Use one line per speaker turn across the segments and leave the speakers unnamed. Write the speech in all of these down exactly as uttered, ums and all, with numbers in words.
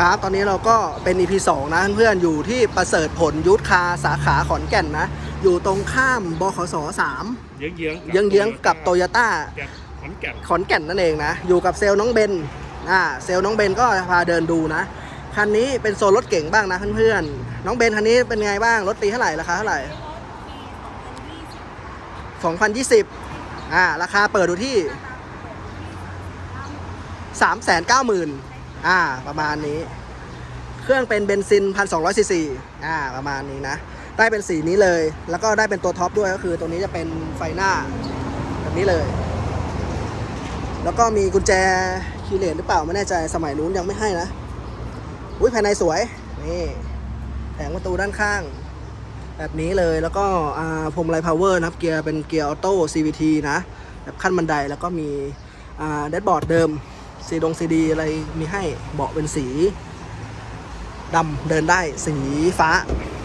ครับตอนนี้เราก็เป็น อี พี สองนะเพื่อนๆอยู่ที่ประเสริฐผลยุทธคาสาขาขอนแก่นนะอยู่ตรงข้ามบขสสาม
เยื้องเยื้อง
เยื้องๆกับโตโยต้า
ขอนแก่น
ขอนแก่นนั่นเองนะอยู่กับเซลล์น้องเบนอ่าเซลล์น้องเบนก็พาเดินดูนะคันนี้เป็นโซนรถเก่งบ้างนะเพื่อนๆน้องเบนคันนี้เป็นไงบ้างรถปีเท่าไหร่ราคาเท่าไหร่สองพันยี่สิบอ่าราคาเปิดดูที่ สามแสนเก้าหมื่น อ่าประมาณนี้เครื่องเป็นเบนซิน หนึ่งพันสองร้อย ซี ซี อ่าประมาณนี้นะได้เป็นสีนี้เลยแล้วก็ได้เป็นตัวท็อปด้วยก็คือตัวนี้จะเป็นไฟหน้าแบบนี้เลยแล้วก็มีกุญแจคีย์เลสหรือเปล่าไม่แน่ใจสมัยนู้นยังไม่ให้นะอุ้ยภายในสวยนี่แผงประตูด้านข้างแบบนี้เลยแล้วก็อ่าพรมไลท์พาวเวอร์นะครับเกียร์เป็นเกียร์ออโต้ ซี วี ที นะแบบขั้นบันไดแล้วก็มีอ่าแดชบอร์ดเดิมซีดงซีดีอะไรมีให้เบาะเป็นสีดำเดินได้สีฟ้า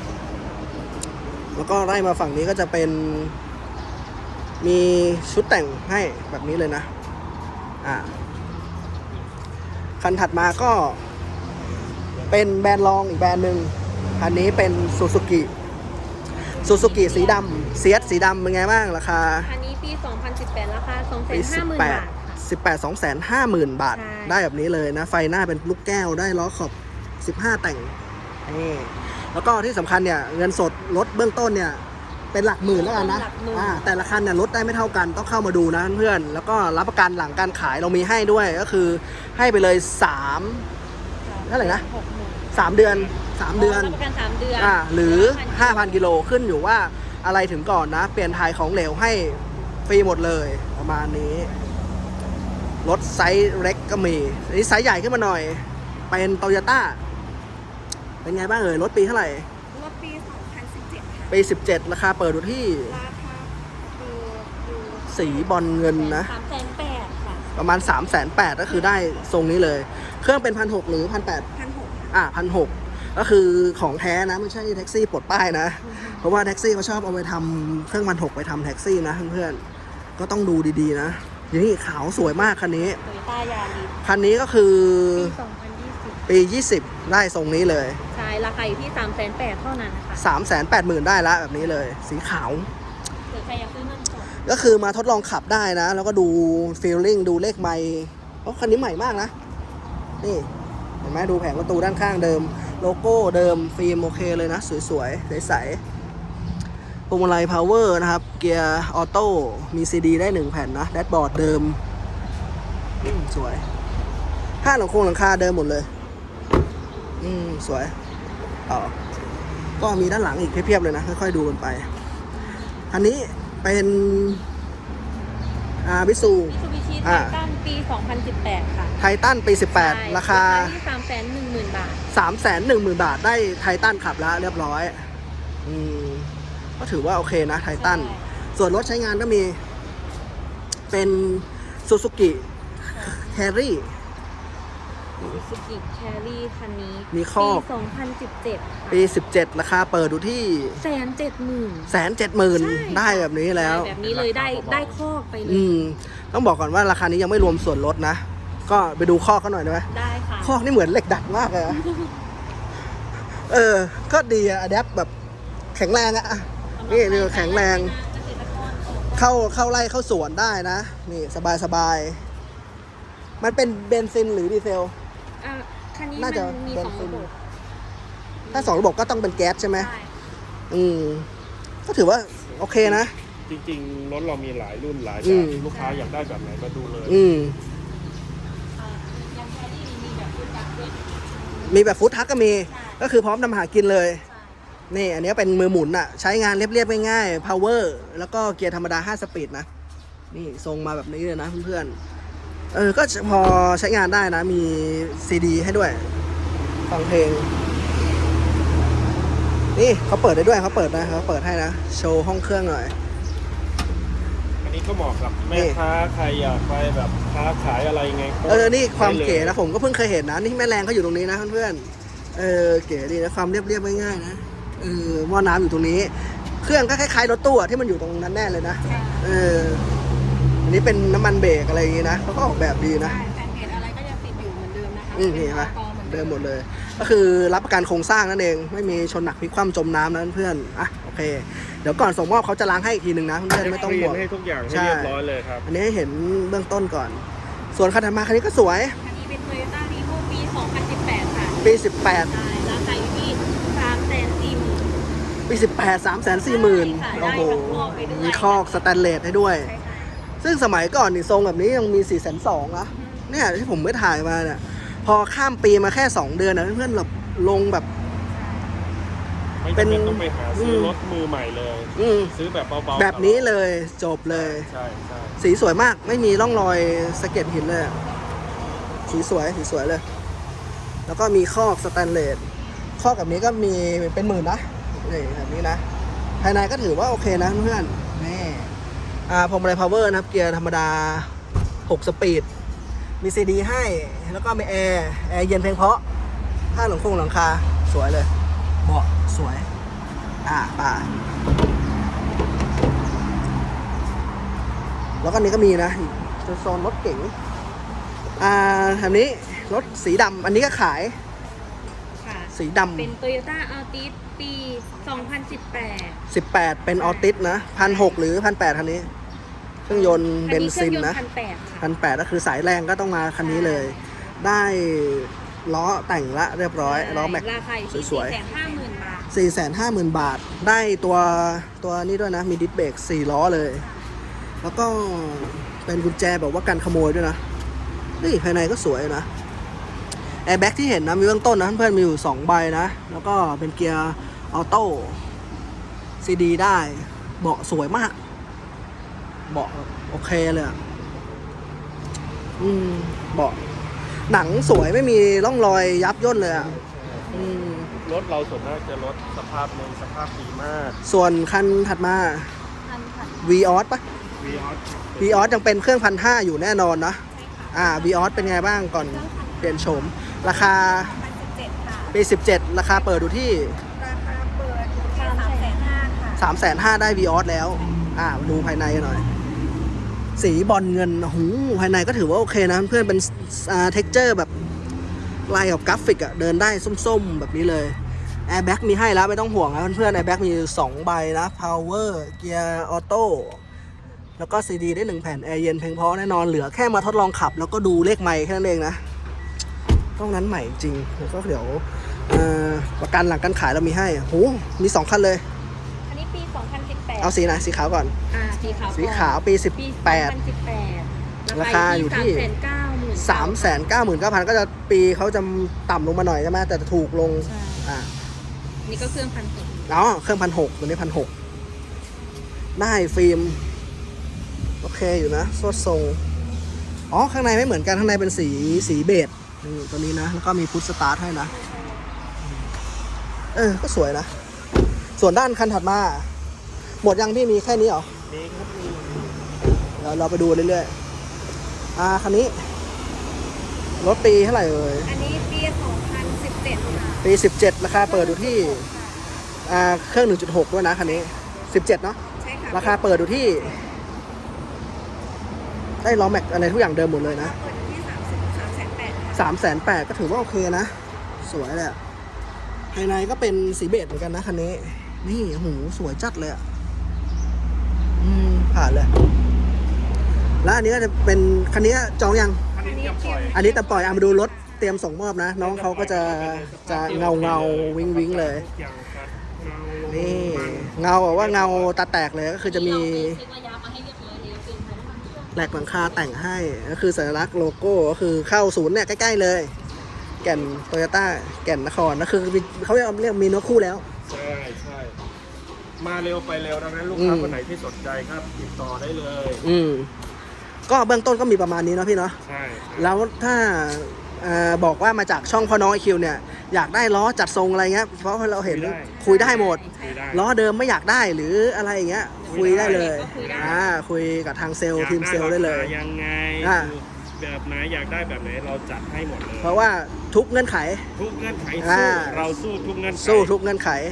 แล้วก็ไล่มาฝั่งนี้ก็จะเป็นมีชุดแต่งให้แบบนี้เลยนะอ่าคันถัดมาก็เป็นแบรนด์รองอีกแบรนด์หนึ่งคันนี้เป็นซูซูกิซูซูกิสีดำเซียสสีดำเป็นไงบ้างราคา
อันนี้ปีสองพันสิบแปดราคา สองแสนห้าหมื่น บาท
สิบแปด สองแสนห้าหมื่น บาทได้แบบนี้เลยนะไฟหน้าเป็นลูกแก้วได้ล้อขอบสิบห้าแต่งนี่แล้วก็ที่สำคัญเนี่ยเงินสดรถเบื้องต้นเนี่ยเป็นหลักหมื่นแล้วกันนะอ่าแต่ละคันเนี่ยลดได้ไม่เท่ากันต้องเข้ามาดูนะเพื่อนแล้วก็รับประกันหลังการขายเรามีให้ด้วยก็คือให้ไปเลยสามเท่าไหร่นะสามเดือนสามเดือน
รับประกันสามเดือน
อ่าหรือ ห้าพัน กิโลขึ้นอยู่ว่าอะไรถึงก่อนนะเปลี่ยนถ่ายของเหลวให้ฟรีหมดเลยประมาณนี้รถไซส์เล็กก็มีอันนี้ไซส์ใหญ่ขึ้นมาหน่อยเป็นโตโยต้าเป็นไงบ้างเอ่ยรถปีเท่าไหร่
รถปีสองพันสิบเจ็ดค่ะ
ปีสิบเจ็ดราคาเปิดดูที่
ราคาดูดู
สีบอลเงินนะ
สามแสนแปดค่ะ
ประมาณ สามแสนแปด ก็คือได้ทรงนี้เลยเครื่องเป็น หนึ่งพันหกร้อย หรือ หนึ่งพันแปดร้อย
พันหก
อ่ะ หนึ่งพันหกร้อย ก็คือของแท้นะไม่ใช่แท็กซี่ปลดป้ายนะเพราะว่าแท็กซี่เขาชอบเอาไปทำเครื่อง หนึ่งพันหกร้อย ไปทำแท็กซี่นะเพื่อนๆก็ต้องดูดีๆนะนี่ขาวสวยมากคันนี้
โตโยต้ายาริส
คันนี้ก็คือ
ปีสองพันยี่สิบ
ปียี่สิบได้ทรงนี้เลย
ใช่ราคาอยู่ที่ สามแสนแปด เท่านั้นค่ะ
สามแสนแปดหมื่น ได้แล้วแบบนี้เลยสีขาว
หรือใครอยากซื้อเงินสด
ก็คือมาทดลองขับได้นะแล้วก็ดูฟีลลิ่งดูเลขไมล์เพราะคันนี้ใหม่มากนะนี่เห็นไหมดูแผงประตูด้านข้างเดิมโลโก้เดิมฟิล์มโอเคเลยนะสวยๆใสๆพวงมาลัยพาวเวอร์นะครับเกียร์ออโต้มีซีดีได้หนึ่งแผ่นนะแดชบอร์ดเดิมสวยห้าหลังโครงหลังคาเดิมหมดเลยอืมสวยต่อก็มีด้านหลังอีกเพียบๆเลยนะค่อยๆดูกันไปอันนี้เป็นอาบิซู
มิซูบิชิไททันปีสองพันสิบแปดค่ะ
ไททันปีสิบแปดราคา
ที่ สามแสนหนึ่งหมื่น บาท
สามแสนหนึ่งหมื่น บาทได้ไททันขับแล้วเรียบร้อยอืมก็ถือว่าโอเคนะไททันส่วนรถใช้งานก็มีเป็นซูซูกิแครี่
ซูซูกิแครี่คันนี้
มีข้อ
ปีสองพันสิบเจ็ด
ปีสิบเจ็ดราคาเปิดดูที่
แสนเจ็ดหมื่น
แสนเจ็ดหมื่นได้แบบนี้แล้ว
แบบนี้เลยได้ได้ข้อไปเลย
อืมต้องบอกก่อนว่าราคานี้ยังไม่รวมส่วนลดนะก็ไปดูข้อเขาหน่อยได้ไหม
ได้ค่ะ
ข้อนี่เหมือนเหล็กดัดมากเลยเออก็ดีอะอะแดปแบบแข็งแรงอะนี่นี่แข็งแรงเข้าเข้าไล่เข้าสวนได้นะนี่สบายสบายมันเป็นเบนซินหรือดีเซล
อ่ะคันนี้มันมีสองระบบ
ถ้าสองระบบก็ต้องเป็นแก๊สใช่ไหมอืมก็ถือว่าโอเคนะ
จริงๆรถเรามีหลายรุ่นหลายแบบลูกค้าอยากได้แบบไหนก็ดูเลย
อืมมีแบบฟู้ดทักก็มีก็คือพร้อมทำหากินเลยนี่อันนี้เป็นมือหมุนอะใช้งานเรียบๆง่ายๆ power แล้วก็เกียร์ธรรมดาห้าสปีดนะนี่ทรงมาแบบนี้เลยนะเพื่อนๆเออก็พอใช้งานได้นะมีซีดีให้ด้วยฟังเพลงนี่เขาเปิดได้ด้วยเขาเปิดนะเขาเปิดให้นะโชว์ห้องเครื่องหน่อย
อันนี้ก็เหมาะกับแม่ค้าใครอยากไปแบบค้าขายอะไรไง
เออนี่ความเก๋นะผมก็เพิ่งเคยเห็นนะนี่แม่แรงเขาอยู่ตรงนี้นะเพื่อนๆเออเก๋ดีนะความเรียบๆง่ายๆนะเออหม้อน้ำอยู่ตรงนี้เครื่องก็คล้ายๆรถตู้ที่มันอยู่ตรงนั้นแน่เลยนะเอออันนี้เป็นน้ำมันเบรกอะไรอย่างงี้นะเขาก็ออกแบบดีนะ
แผ่นเพจอะไรก็ยังติดอยู่เหมือนเดิมนะคะ
อืมเห็นไหมเดิมหมดเลย ก็คือรับประกันโครงสร้างนั่นเองไม่มีชนหนักพลิกคว่ำจมน้ำนะเพื่อนอ่ะโอเคเดี๋ยวก่อนส่งมอบเขาจะล้างให้อีกทีหนึ่งนะเพื่อนๆไม่ต้องห่วง
ให้ทุกอย่างให้
ใช่
เรียบร้อยเลยครับ
อันนี้ให้เห็นเบื้องต้นก่อน ส่วนคันถัดมาคันนี้ก็สวย
อันนี้เป็น Toyota Vivo ปี สองพันสิบแปด ค่ะ
ปีสิบแปด
ใช่ราคาอยู่ที่สามแสนสี่หมื่น
ปีสิบแปด สามแสนสี่หมื่น
ใช่
โอ้
ค่ะ
โห
ได้กับคอกไปด้วย
มีคอกสแตนเลสให้ด้วย
ใช่ค่ะ
ซึ่งสมัยก่อนนี่ทรงแบบนี้ยังมีสี่แสนสองนะเนี่ยที่ผมไม่ถ่ายมาเนี่ยพอข้ามปีมาแค่สองเดือนนะเพื่อนๆแบบลงแบบ
ไม่
เป็น
จำเป็นต้องไปหาซื้ออ
ม
รถมือใหม่เลย
อืม
ซื้อแบบเบาๆ
แบบนี้เลยจบเลย
ใช่ใช่
สีสวยมากไม่มีร่องรอยสะเก็ดหินเลยอะสีสวยสีสวยเลย แล้วก็มีคอกสแตนเลสคอกแบบนี้ก็มีเป็นหมื่นนะนี่แบบนี้นะภายในก็ถือว่าโอเคนะเพื่อนนี่อ่าพวงมาลัยพาวเวอร์นะครับเกียร์ธรรมดาหกสปีดมีซีดีให้แล้วก็มีแอร์แอร์เย็นเพียงเพราะผ้าหลังคงหลังคาสวยเลยเบาะสวยอ่าป่าแล้วก็นี้ก็มีนะโซนรถเก๋งอ่าแบบนี้รถสีดำอันนี้ก็ขาย
ค่ะ
สีดำ
เป็น Toyota Altis ปี สองพันสิบแปด
สิบแปดเป็นออติสนะพันหกหรือพันแปดคันนี้ เครื่องยนต์เบนซินนะ
พันแปดค่ะ
พันแปดก็คือสายแรงก็ต้องมาคันนี้เลย ได้ล้อแต่งละเรียบร้อยล้อแม็ก
ราคาอยู่ที่
สวยๆ
สี่แสนห้าหมื่น บาท
สี่แสนห้าหมื่นบาท ได้ตัวตัวนี้ด้วยนะ มีดิสเบรกสี่ล้อเลย แล้วก็เป็นกุญแจแบบว่ากันขโมยด้วยนะนี่ภายในก็สวยนะแอร์แบ็กที่เห็นนะมีเบื้องต้นนะเพื่อนๆมีอยู่สองใบนะ แล้วก็เป็นเกียร์ออโต้ซีดีได้เบาะสวยมากเบาะแบบโอเคเลยอะอืมเบาะหนังสวยไม่มีร่องรอยยับย่นเลยอะอืม
รถเราส่วนมากจะรถสภาพในสภาพดีมาก
ส่วนคันถัดมา
พันค่ะ
v ีออสปะ
วีออส
v ีออสยังเป็นเครื่องพันห้าอยู่แน่นอนนะอ่า v ีออสเป็นไงบ้างก่อนเปลี่ยนโฉม ราคา
พันสิบเจ็ดค่ะ
ปีสิบเจ็ดราคาเปิดดูที่
ราคาเปิดอยู่ที่สามแสนห้าค่ะ
สามแสนห้าได้ v ีออสแล้ว อ่ามาดูภายในกันหน่อย สีบอลเงินโอ้โหภายในก็ถือว่าโอเคนะเพื่อนเป็นอ่าเท็กเจอร์แบบลายกับกราฟิกอะเดินได้ส้มๆ แบบนี้เลยแอร์แบ็กมีให้แล้วไม่ต้องห่วงนะเพื่อนๆแอร์แบ็กมีสองใบนะ power เกียร์ออโต้แล้วก็ซีดีได้หนึ่งแผ่นแอร์เย็นเพียงพอแน่นอนเหลือแค่มาทดลองขับ แล้วก็ดูเลขไมค์แค่นั้นเองนะต้องนั้นใหม่จริงแล้วก็เดี๋ยวเอ่อประกันหลังการขายเรามีให้โหมีสองคันเลย
อันนี้ปี สองพันสิบแปด
เอาสีไหนสีขาวก่อน
อ่าสีขาว
สีขาวปีสิบ
ปี
แปด
สองพันสิบแปด
ราคาอยู่ที่
สามแสนเก้าหมื่น
สามแสนเก้าหมื่นเก้าพันก็จะปีเขาจะต่ำลงมาหน่อยใช่ไหมแต่จะถูกลง
ใช่
อ่า
นี่ก็เครื่องพันหก
อ๋อเครื่องพันหกตัวนี้พันหกได้ฟิล์มโอเคอยู่นะโซดทรงอ๋อข้างในไม่เหมือนกันข้างในเป็นสีสีเบจนี่ตัวนี้นะแล้วก็มีพุทสตาร์ทให้นะเออก็สวยนะ ส่วนด้านคันถัดมา หมดยังพี่มีแค่นี้เหรอ
นี่ครับมี
เดี๋ยวเราไปดูเรื่อยๆ อ่า คันนี้ รถปีเท่าไหร่เอ่ย
อันนี้ปี สองพันสิบเจ็ด ค่ะ
ปีสิบเจ็ดราคาเปิดอยู่ที่ อ่า เครื่อง หนึ่งจุดหก ด้วยนะคันนี้ สิบเจ็ดเนาะ
ใช่ค่ะ
ราคาเปิดอยู่ที่ ได้ล้อแม็กอะไรทุกอย่างเดิมหมดเลยนะ
เปิดอยู่ที่สามสิบสามแสนแปดค่ะ
สามแสนแปดก็ถือว่าโอเคนะ สวยเลยอะภายในก็เป็นสีเบจเหมือนกันนะคันนี้ นี่โอ้โหสวยจัดเลยอะอืม ผ่านเลย แล้วอันนี้ก็จะเป็นคันนี้จองยัง
อันนี้จะปล่อย
อันนี้แต่ปล่อยเอามาดูรถเตรียมส่งมอบนะ น้องเขาก็จะจะเงาเงาวิงวิงเลย
ทุกอย่างครับเงา
นี่
มัน
เงาแบบว่าเงาตาแตกเลยก็คือจะมี
เช็คระยะมาให้เรียบร้อยแล้วเป็นพนักงานเครื่อง
แหลกหลังคาแต่งให้ก็คือสัญลักษณ์โลโก้ก็คือเข้าศูนย์เนี่ยใกล้ๆเลย แก่นโตโยต้าแก่นนครก็คือเขาเรียกเรียกมีเนื้อคู่แล้ว
ใช่ใช่มาเร็วไปเร็วดังนั้นลูก
อื
ค้าม คนไหนที่สนใจครับติดต่อได้เลย
อืมก็เบื้องต้นก็มีประมาณนี้เนาะพี่เนาะ
ใช่ใช่
แล้วถ้าเอ่อบอกว่ามาจากช่องพ่อน้องไอคิวเนี่ยอยากได้ล้อจัดทรงอะไรเงี้ยเพราะเราเห็นคุยได้หมด
คุยได้
ล้อเดิมไม่อยากได้หรืออะไรอย่างเงี้ยคุยได้เลยอ่าคุยกับทางเซลล์ทีมเซลล์ได้เลย
อากราคายังไง
อ่า
แบบไหนอยากได้แบบไหนเราจัดให้หมดเลย
เพราะว่าทุกเงื่อนไข
ทุกเงื่อนไข
อ่า
สู้เราสู้ทุกเงื่อนไข
สู้ทุกเงื่อนไข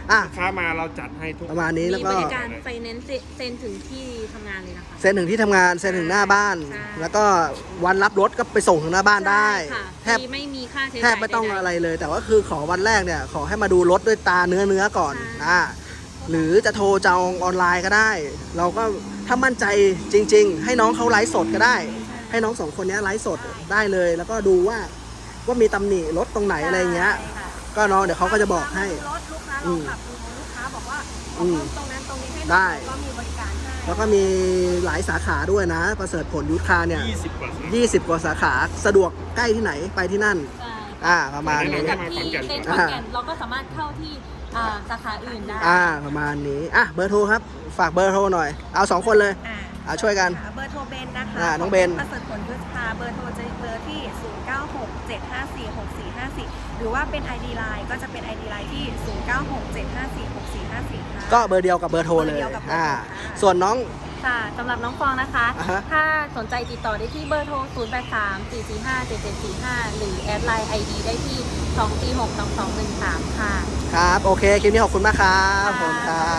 อ่ะ
ลูกค้ามาเราจัดให้ทุก
ประมาณนี้
มี
แล้วก็
บริการไฟแนนซ์เซ็นถึงที่ทำงานเลยนะคะ
เซ็นถึงที่ทำงานเซ็นถึงหน้าบ้าน
ใช่
แล้วก็วันรับรถก็ไปส่งถึงหน้าบ้านได้
ใช่ค่ะ
แทบ
ฟรีไม่มีค่าใช้
แท
จ่าย
บไม่ต้อง
ใดๆ
อะไรเลย แต่ว่าคือขอวันแรกเนี่ยขอให้มาดูรถด้วยตาเนื้อเนื้อก่อน
ใช่
อ่าหรือจะโทรจองออนไลน์ก็ได้ เราก็ถ้ามั่นใจจริง ๆ ให้น้องเขาไลฟ์สดก็ได้ ให้น้องสองคนเนี้ยไลฟ์สดได้เลย แล้วก็ดูว่าว่ามีตำหนิรถตรงไหนอะไรเงี้ย
ใช่ค่ะ
ก็น้องเดี๋ยวเขาก็จะบอกให้
รถลูกค้า
อื
เรา
ม
ขับดูลูกค้าบอกว่าข
อื
อ
ม
เพิ่มตรงนั้นตรงนี้ให้หน่อย
ได้
ก็มีบริการให้
แล้วก็มีหลายสาขาด้วยนะ ประเสริฐผลยุทธคาเนี่ย
ยี่สิบกว่า
ยี่สิบกว่าสาขาสะดวกใกล้ที่ไหนไปที่นั่น
ใช่
อ่าประมาณ
เหมื
นี้
อนกับที่เซ็นขอนแก่นเราก็สามารถเข้าที่อ่าสาขาอื่นได้
อ่าประมาณนี้อ่ะเบอร์โทรครับ ฝากเบอร์โทรหน่อย เอาสองคนเลย
อ่า
อ่าช่วยกัน
ค่ะเบอร์โทรเบนนะคะ
อ่าน้องเบน
ประเสริฐผลยุทธาเบอร์โทรจะเบอร์ที่ ศูนย์ เก้า หก เจ็ด ห้า สี่ หก สี่ ห้า สี่ หรือว่าเป็น ไอ ดี Line ก็จะเป็น ไอ ดี Line ที่ ศูนย์ เก้า หก เจ็ด ห้า สี่ หก สี่ ห้า สี่ ค่ะ
ก็เบอร์เดียวกับเบอร์โทรเลย
เบอร์เดียวกับเบอร์โทร
อ่า
ค่ะ
ส่วนน้อง
ค่ะสำหรับน้องฟองนะคะ
อ่าฮะ
ถ้าสนใจติดต่อได้ที่เบอร์โทร ศูนย์ แปด สาม สี่ สี่ ห้า เจ็ด เจ็ด สี่ ห้า หรือแอดไลน์ ไอ ดี ได้ที่ สอง สี่ หก สอง สอง หนึ่ง สาม ค่ะ
ครับ โอเค คลิปนี้ขอบคุณมากครับผมครับ